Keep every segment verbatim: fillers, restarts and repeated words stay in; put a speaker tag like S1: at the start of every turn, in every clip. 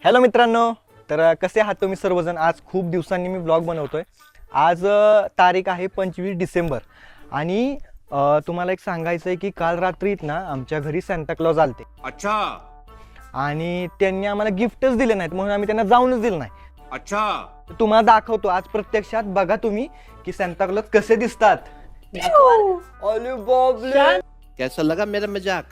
S1: Hello मित्रांनो, तर कसे आहात तुम्ही सर्वजण। आज खूप दिवसांनी मी ब्लॉग बनवतोय। आज अ, तारीख आहे पंचवीस डिसेंबर आणि अ, तुम्हाला एक सांगायचं आहे की काल रात्रीत ना आमच्या घरी सांता क्लॉज आलते।
S2: अच्छा
S1: आणि त्यांनी आम्हाला गिफ्टच दिले नाहीत म्हणून आम्ही त्यांना जाऊनच दिलं नाही।
S2: अच्छा
S1: तर तुम्हाला दाखवतो आज प्रत्यक्षात, बघा तुम्ही की सांता क्लॉज कसे दिसतात। अरे बापरे,
S3: कैसा लगा मेरा मजाक?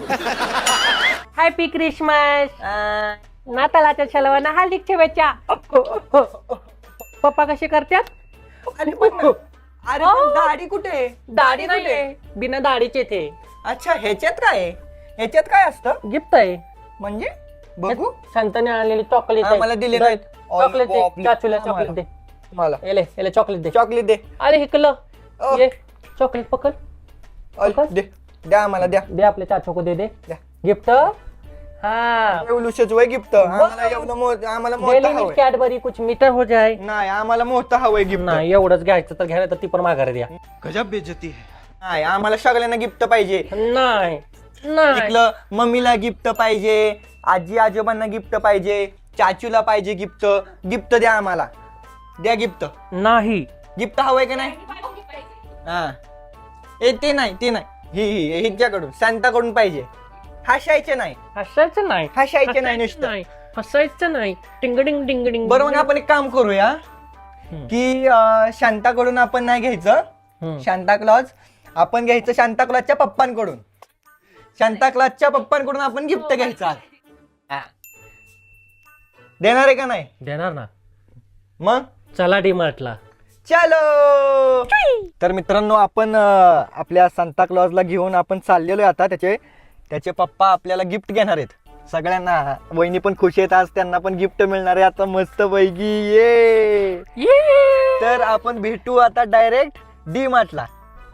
S4: हॅपी क्रिसमस नाताळाच्या शलवाना हार्दिक शुभेच्छा। पप्पा कसे करतात?
S1: अरे पण अरे पण दाढी कुठे आहे?
S4: दाढी
S1: कुठे?
S4: नाही बिना दाढीचे ते
S1: अच्छा, ह्याच्यात काय आहे? ह्याच्यात काय असतं
S4: गिफ्ट आहे।
S1: म्हणजे? बघू।
S4: संताने आणलेली चॉकलेट आहे।
S1: आम्हाला दिले नाहीत।
S4: चॉकलेट दे,
S1: बापरे.
S4: चाचूला
S1: आम्हाला.
S4: चॉकलेट दे।
S1: मला
S4: एले एले चॉकलेट दे।
S1: चॉकलेट दे।
S4: अरे हिकलं
S1: अ.
S4: ये चॉकलेट पकड
S1: अल,
S4: पकड.
S1: दे द्या आम्हाला, द्या
S4: दे आपल्या चाचू को दे दे
S1: द्या।
S4: गिफ्ट। हाँ
S1: एवढूशच वय गिफ्ट आम्हाला एवढं मोठं, आम्हाला मोठं
S4: डेली
S1: हवंय।
S4: कॅडबरी कुछ मीटर हो जाए।
S1: नाही, आम्हाला मोठं हवंय गिफ्ट।
S4: नाही एवढंच घ्यायचं तर घ्यायला तर ती पण माघारी द्या।
S2: गजब बेइज्जती है।
S1: नाही, आम्हाला सगळ्यांना गिफ्ट पाहिजे।
S4: नाही नाही
S1: इकलं मम्मीला गिफ्ट पाहिजे, आजी आजोबांना गिफ्ट पाहिजे, चाचूला पाहिजे गिफ्ट। गिफ्ट द्या आम्हाला, द्या गिफ्ट।
S4: नाही
S1: गिफ्ट हवंय का नाही? हा ए ते नाही, ते नाही, ही ही हिच्याकडून सांताकडून पाहिजे। हसायचे नाही,
S4: हसायचं नाही
S1: हसायचे नाही नुसतं।
S4: नाही हसायचं नाही टिंगडिंग टिंगडिंग
S1: बरोबर, आपण एक काम करूया की अं, शांताकडून आपण नाही घ्यायचं
S4: हम्म.
S1: शांता क्लॉज, आपण घ्यायचं शांता क्लॉजच्या पप्पांकडून। शांता क्लॉजच्या पप्पांकडून आपण गिफ्ट घ्यायचं आज। हा. देणार आहे का नाही?
S4: देणार ना।
S1: मग
S4: चला डीमार्टला।
S1: चलो। तर मित्रांनो, आपण अं, आपल्या सांता क्लॉजला घेऊन आपण चाललेलो आहे आता। त्याचे त्याचे पप्पा आपल्याला गिफ्ट घेणार आहेत सगळ्यांना। वहिनी पण खुश आहेत, आज त्यांना पण गिफ्ट मिळणार आहे आता मस्त पैकी। ये तर आपण भेटू आता डायरेक्ट डी मार्टला।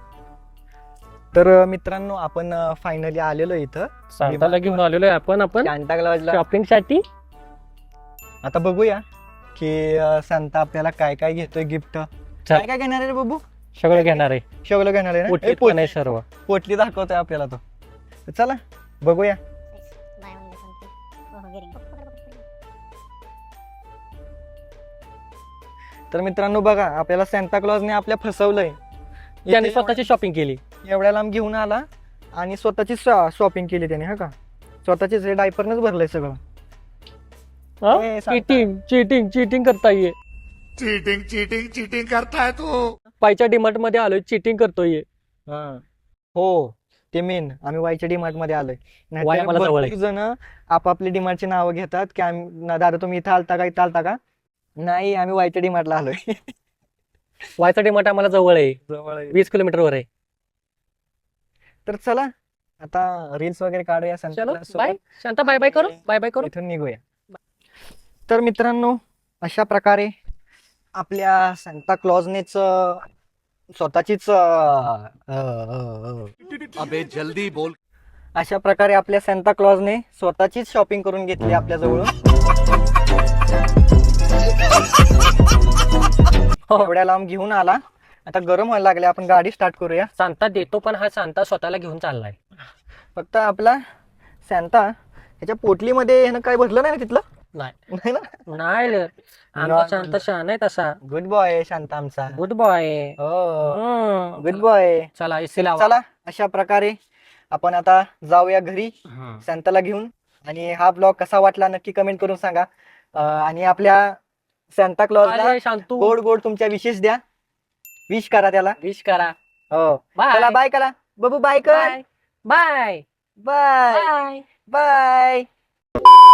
S1: तर अं, मित्रांनो, आपण फायनली आलेलो आहे इथं
S4: सांताला घेऊन आलेलो आहे आपण आपण
S1: सांता क्लॉजला।
S4: शॉपिंग साठी।
S1: आता बघूया की अं, सांता आपल्याला काय काय घेतोय गिफ्ट। काय काय घेणार आहे रे बाबू?
S4: सगळं घेणार आहे।
S1: शेवलं घेणार आहे ना?
S4: पोटली
S1: ए,
S4: पण
S1: पोटली
S4: आहे सर्व।
S1: पोटली दाखवतोय आपल्याला तो। तर चला बघूया।
S5: buy one get one free. Oh, getting.
S1: तर मित्रांनो बघा, आपल्याला सांता क्लॉजने आपल्या फसवलंय।
S4: त्याने
S1: इथे
S4: स्वतःची शॉपिंग केली।
S1: एवढ्या लांब घेऊन आला आणि स्वतःची शॉपिंग केली त्याने, हा का? स्वतःचीच हे डायपरनच भरलंय सगळं। ए, सांता.
S4: चीटिंग चीटिंग चीटिंग करता ये।
S2: चीटिंग चीटिंग चीटिंग करता है तू।
S4: पायच्या डीमार्ट मध्ये आलोय, चीटिंग करतोय।
S1: हा. हो, ते मेन आम्ही वायच्या डीमार्ट मध्ये आलोय।
S4: वाय आम्हाला जवळ आहे.
S1: भरपूर जण आपापली डीमार्टची नावं घेतात की आम्ही ना दादा तुम्ही इथं आलता का, इथं आलता का? नाही, आम्ही वायच्या डीमार्टला आलोय।
S4: वायचा डीमार्ट आम्हाला जवळ आहे,
S1: जवळ आहे।
S4: वीस किलोमीटर वर आहे।
S1: तर चला आता रील्स वगैरे काढूया
S4: चलो
S1: Santa
S4: bye Shanta, bye bye करू, बाय बाय करू।
S1: इथून निघूया। तर मित्रांनो, अशा प्रकारे आपल्या सांता क्लॉजनेच अं, स्वतःचीच अं, अं, अं,
S2: अबे जल्दी बोल।
S1: अशा प्रकारे आपल्या सांता क्लॉजने स्वतःचीच शॉपिंग करून घेतली आपल्या जवळून। एवढ्या लांब घेऊन आला, आता गरम व्हायला लागले, आपण गाडी स्टार्ट करूया।
S4: सांता देतो पण हा सांता स्वतःला घेऊन चाललाय।
S1: फक्त आपला सांता त्याच्या पोटलीमध्ये ह्यानं काय भरलं नाही ना तिथलं?
S4: नाही
S1: नाही ना?
S4: नाही रे. आमचा शांत शहाणा आहे तसा।
S1: गुड बॉय शांता आमचा।
S4: Good boy.
S1: हो, गुड बॉय।
S4: चला एसी लावा।
S1: चला अशा प्रकारे आपण आता जाऊया घरी सांताला घेऊन। आणि हा ब्लॉग कसा वाटला नक्की कमेंट करून सांगा। अं, आणि आपल्या सांता क्लॉजला
S4: अरे शांतू
S1: गोड गोड तुमच्या विशेष द्या, विश करा त्याला।
S4: विश करा।
S1: हो,
S4: बाय
S1: चला बाय करा बाबू, बाय कर,
S4: bye bye
S1: bye
S4: bye.
S1: Bye.